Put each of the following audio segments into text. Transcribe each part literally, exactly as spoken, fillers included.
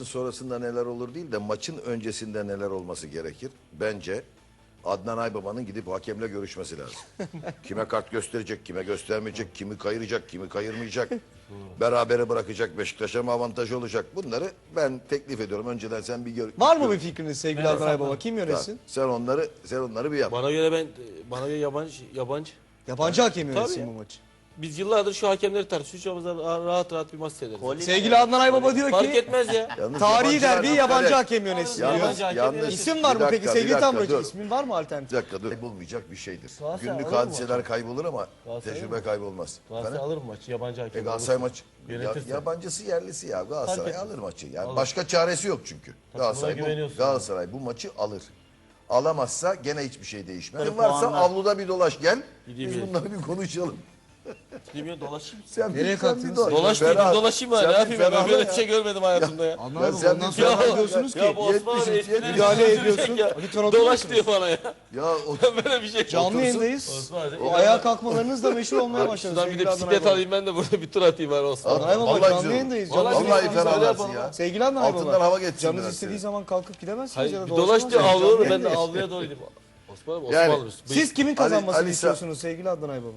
sonrasında neler olur değil de maçın öncesinde neler olması gerekir. Bence Adnan Aybaba'nın gidip hakemle görüşmesi lazım. Kime kart gösterecek, kime göstermeyecek, kimi kayıracak, kimi kayırmayacak. Berabere bırakacak, Beşiktaş'a mı avantaj olacak? Bunları ben teklif ediyorum. Önceden sen bir gör. Var mı bir fikriniz sevgili Adnan Aybaba? Kim yönetsin? Sen onları sen onları bir yap. Bana göre ben bana göre yabancı yabancı. Yabancı hakem yönetsin Tabii bu ya. maçı. Biz yıllardır şu hakemleri tartışıyoruz. Rahat rahat bir maç seyrederiz. Sevgili Adnan Aybaba diyor Fark ki etmez ya. Yalnız tarihi yabancılar derbi bir yabancı kere- hakem yönetsin Yalnız, diyor. Yabancı hakem yalnız, yönetsin. İsim var bir mı dakika, peki bir sevgili dakika, Tamburacı? dur. İsmin var mı alternatif? Bir dakika dur. Kaybolmayacak bir şeydir. Galatasaray Günlük alır mı hadiseler maçı? kaybolur ama Galatasaray tecrübe alır mı? kaybolmaz. Galatasaray Efendim? alır mı maçı? Yabancı hakem. E Galatasaray olursa. maçı ya, Yönetirse. yabancısı yerlisi ya Galatasaray Fark alır maçı. Yani Alır. başka çaresi yok çünkü. Galatasaray bu, güveniyorsun. Galatasaray bu maçı alır. Alamazsa gene hiçbir şey değişmez. Tabii Varsa puanlar. avluda bir dolaş gel. Gideyim Biz yani. bunları bir konuşalım. Bilmiyorum dolaşayım. Sen Nereye bir, sen kalktınız? bir dolaş. Dolaş değil, Ferah- bir dolaşayım var. sen Ne bir yapayım ya? Ben ferahla böyle ya. bir şey görmedim hayatımda ya. Adnan Ya Aybaba sen ondan bir sonra ferah- ne diyorsunuz ki? Ya bu Osman yetmiş, abi yetmiş. esprileri Müdahale sürecek ediyorsun. ya. Lütfen oturur Dolaş musunuz? diyor bana ya. Ya o, Ben böyle bir şey. Canlı Otursun. yayındayız. Osman abi. O ayağa kalkmalarınız da meşhur olmaya başladı Şuradan bir sevgili de Adnan bisiklet Aybaba. alayım ben de burada bir tur atayım var Osman. Adnan Aybaba Vallahi canlı güzel yayındayız. olur. Canlı Vallahi vallahi yayındayız. ferahlarsın yapalım. ya. Sevgili Adnan Aybaba. Altından hava geçsin Canınız biraz istediği seni. zaman kalkıp gidemezsiniz Hayır, ya da bir dolaş diyor dolaşamazsınız. avluyor Canlı ben de yayındayız. avluya doğru gideyim. Osman abi Osman Yani alırız. Siz kimin kazanmasını Ali- Ali Sa- istiyorsunuz sevgili Adnan Aybaba?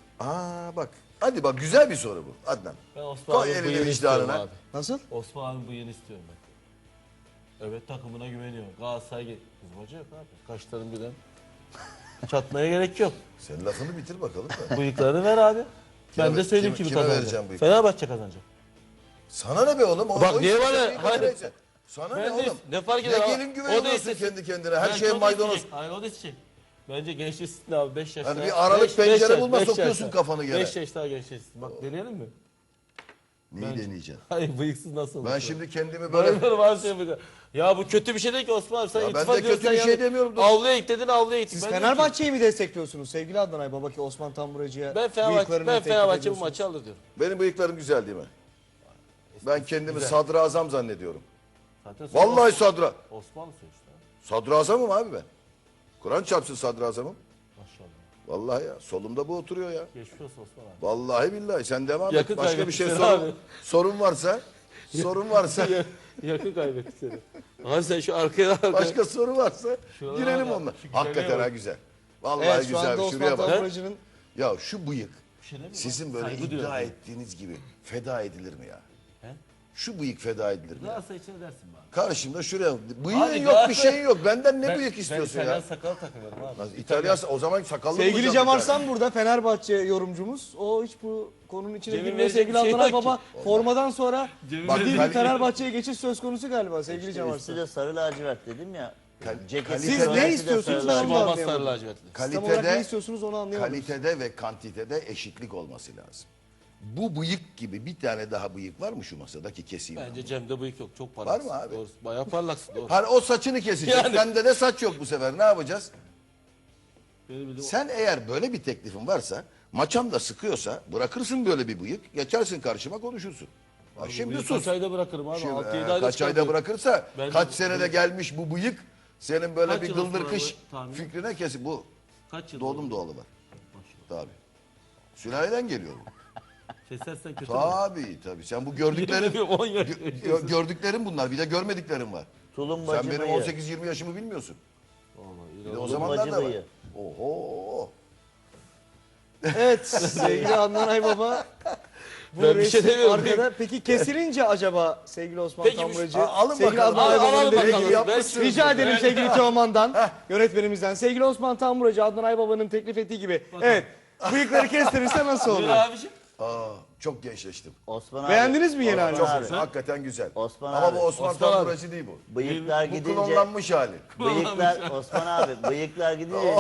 Aa bak. Hadi bak güzel bir soru bu Adnan. Ben Osman Koy abi elini bıyığını istiyorum vicdanına. abi. Nasıl? Osman abi bıyığını istiyorum ben. Evet takımına güveniyorum. Galatasaray gel. Kızmacı yok abi. Kaşların birden. Çatmaya gerek yok. Sen lafını bitir bakalım da. Bıyıklarını ver abi. Ben Kime- de söyleyeyim kime- kimi kime kazanacak. vereceğim bıyık? Fenerbahçe kazanacak. Sana ne be oğlum? O, Bak o niye işte bana- senin hayır. güveneceksin. Sana Ben ne de- oğlum? ne fark Ne eder abi? gelin O güveniyorsun da istesin. kendi kendine. Her Belki şeye o da maydanoz. isteyecek. Hayır o da isteyecek. Bence gençleşsin abi beş yaşta. Hani bir aralık pencere bulma, sokuyorsun kafanı gene. beş yaş daha gençleşsin. Bak deneyelim mi? Neyi deneyeceksin? Hayır bıyıksız nasıl olur? Ben şimdi kendimi böyle... Böyle var şey yapacağım. Ya bu kötü bir şey değil ki Osman abi. Sen Ya ben iltifat de ediyorsun, kötü bir sen şey yani demiyorum da- Avluya git dedin avluya gittik. Siz Ben diyorum ki, Fenerbahçe'yi mi destekliyorsunuz sevgili Adnan Aybaba ki Osman Tamburacı'ya Ben Fenerbahçe, bıyıklarını ben teklif Fenerbahçe bu ediyorsunuz? maçı alır diyorum. Benim bıyıklarım güzel değil mi? Ben kendimi sadrazam zannediyorum. Zaten sonra Vallahi sadra... Osmanlı sonuçta. Sadrazamım abi ben. Kur'an çarpsın sadrazamım. Maşallah. Vallahi ya. Solumda bu oturuyor ya. Geçmiş olsun Osman abi. Vallahi billahi. Sen devam Yakın et. Başka bir şey kaybettin sorun, abi. sorun varsa... Sorun varsa... Yakın kaybetti seni. Abi sen şu arkaya arkaya. Başka soru varsa Şuralara girelim bak, onunla. şu güzelliğe Hakikaten bak. ha güzel. Vallahi Evet şu güzel. anda Osman Şuraya bak. Tamburacı'nın Ya şu bıyık Bir şey değil mi? sizin böyle Saygı iddia duyuyorum. ettiğiniz gibi feda edilir mi ya? He? Şu bıyık feda edilir mi ya? Galatasaray için ne dersin bana? Karşımda şuraya. Bıyığın Abi yok bir Galatasaray- şeyin yok. Benden ne Ben- bıyık istiyorsun ben ya? İtalyan sakal takıyorum abi. Nasıl, İtalyan o zaman sakallı mı sevgili olacak Cem bir Arslan burada Fenerbahçe yorumcumuz. O hiç bu konunun içine Cem'in girmiyor. verecek Sevgili bir şey Adnan yok Aybaba formadan sonra Cem'in ciddi verecek- bir Fenerbahçe'ye geçiş söz konusu galiba sevgili Cem Üstü Arslan. de sarı lacivert dedim ya. Kal- Ceketi Siz de ne sarı, istiyorsunuz? sarı Ben Kim onu da lacivert. olmaz sarı anlayamadım. lacivertli. Tam olarak ne Kalitede, istiyorsunuz onu anlayamadım. kalitede ve kantitede eşitlik olması lazım. Bu bıyık gibi bir tane daha bıyık var mı şu masadaki keseyim? Bence Cem'de bıyık yok. Çok parlaksın. Var mı abi? Doğru. Bayağı parlaksın doğru. Hani o saçını kesecek. Yani- Bende de saç yok bu sefer. Ne yapacağız? Benim bildiğim- Sen eğer böyle bir teklifin varsa, maçam da sıkıyorsa bırakırsın böyle bir bıyık, geçersin karşıma konuşursun. Ha, şimdi Bıyık sus. Kaç ayda bırakırım abi. Şimdi, altı yedi e, ayda kaç ayda çıkartırım. bırakırsa, Bence kaç bu- senede gelmiş bu bıyık, senin böyle Kaç bir yıl gıldır sonra kış bu tahmin? fikrine kesin. Bu Kaç yıl doğdum oldu? doğalı var. Maşallah. Tabii. Sülaleden geliyor bu. Kesersen kötü mü? Tabii tabii. Sen bu gördüklerin, on yaş. gö- gördüklerin bunlar. Bir de görmediklerin var. Tulumbacı Sen benim bıyığı. on sekiz yirmi yaşımı bilmiyorsun. Vallahi Bir de o İnanılmaz. zamanlar da var. bıyığı. Oho. Evet sevgili Adnan Aybaba. Bu Ben bir şey resim demiyorum. arkada. Peki kesilince acaba sevgili Osman Peki, Tamburacı, a- alın sevgili bakalım. Adnan Al- Aybaba'nın alalım dediği bakalım. gibi yapmışsınız. rica edelim sevgili Teoman'dan, yönetmenimizden. Sevgili Osman Tamburacı, Adnan Aybaba'nın teklif ettiği gibi. Evet, bıyıkları kestirirse nasıl Buyur olur? abiciğim. Aa, çok gençleştim. Osman abi. Beğendiniz mi yeni Osman halini? Çok abi. güzel. Hakikaten güzel. Osman Ama abi. bu Osman, Osman abi. Tamburacı değil bu. Bıyıklar Bu gidince. klonlanmış hali. Bıyıklar Osman abi. Bıyıklar gidince.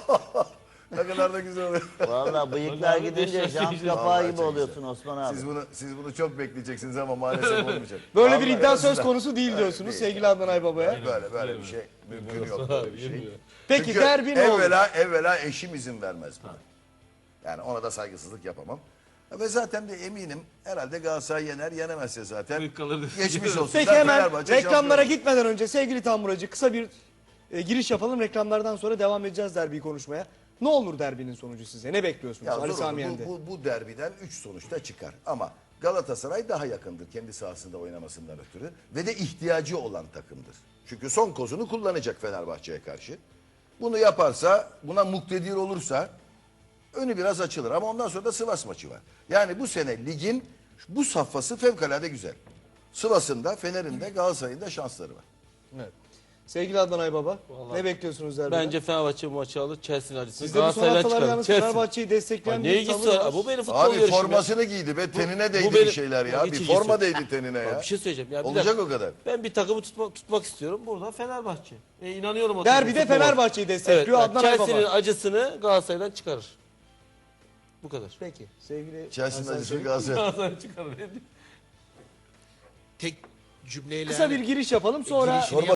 Ne kadar da güzel oluyor. Vallahi bıyıklar Vallahi beş gidince yaş jant geçeceğiz. kapağı Vallahi gibi çok oluyorsun Osman abi. Siz bunu siz bunu çok bekleyeceksiniz ama maalesef olmayacak. Böyle bir Vallahi iddia en söz azından- konusu değil diyorsunuz sevgili Adnan Aybaba'ya. Böyle böyle bir şey mümkün yok. Böyle bir şey. Peki Çünkü derbi ne olur? evvela, evvela eşim izin vermez buna. Yani ona da saygısızlık yapamam. Ve zaten de eminim herhalde Galatasaray yener, yenemezse zaten Bıyık kalır. geçmiş olsun. Peki Ben hemen Fenerbahçe reklamlara şampiyonu. gitmeden önce sevgili Tamburacı kısa bir e, giriş yapalım. Reklamlardan sonra devam edeceğiz derbiyi konuşmaya. Ne olur derbinin sonucu size? Ne bekliyorsunuz Ya Ali zor Sami olur. Yen'de? bu, bu, bu derbiden üç sonuçta çıkar. Ama Galatasaray daha yakındır kendi sahasında oynamasından ötürü ve de ihtiyacı olan takımdır. Çünkü son kozunu kullanacak Fenerbahçe'ye karşı. Bunu yaparsa, buna muktedir olursa önü biraz açılır ama ondan sonra da Sivas maçı var. Yani bu sene ligin bu safhası fevkalade güzel. Sivas'ın da, Fener'in de, Galatasaray'ın da şansları var. Evet. Sevgili Adnan Aybaba, Vallahi ne bekliyorsunuz derbiden? Bence Fenerbahçe bu maçı alır. Chelsea'nin acısını Siz de bu son Galatasaray'dan haftalar çıkarır. yalnız Chelsea. Fenerbahçe'yi destekleyen Ne bir ilgisi tavır var? var. Bu benim futbol Abi yarışım ya. formasını giydi be tenine değdi benim- bir şeyler ya. Hiç Bir ilgisi forma yok. değdi tenine ya. Bir şey söyleyeceğim. Ya bir Olacak dakika. o kadar. Ben bir takımı tutma, tutmak istiyorum. Burada Fenerbahçe. E, inanıyorum o Derbide takıma, futbola. Fenerbahçe'yi Evet, destekliyor bak, Adnan Chelsea'nin Aybaba. acısını Galatasaray'dan çıkarır. Bu kadar. Peki sevgili Chelsea'nin Hasan acısı Çelik. Galatasaray. Galatasaray'dan çıkarır. Tek cümleyle Kısa bir hani giriş yapalım sonra girişini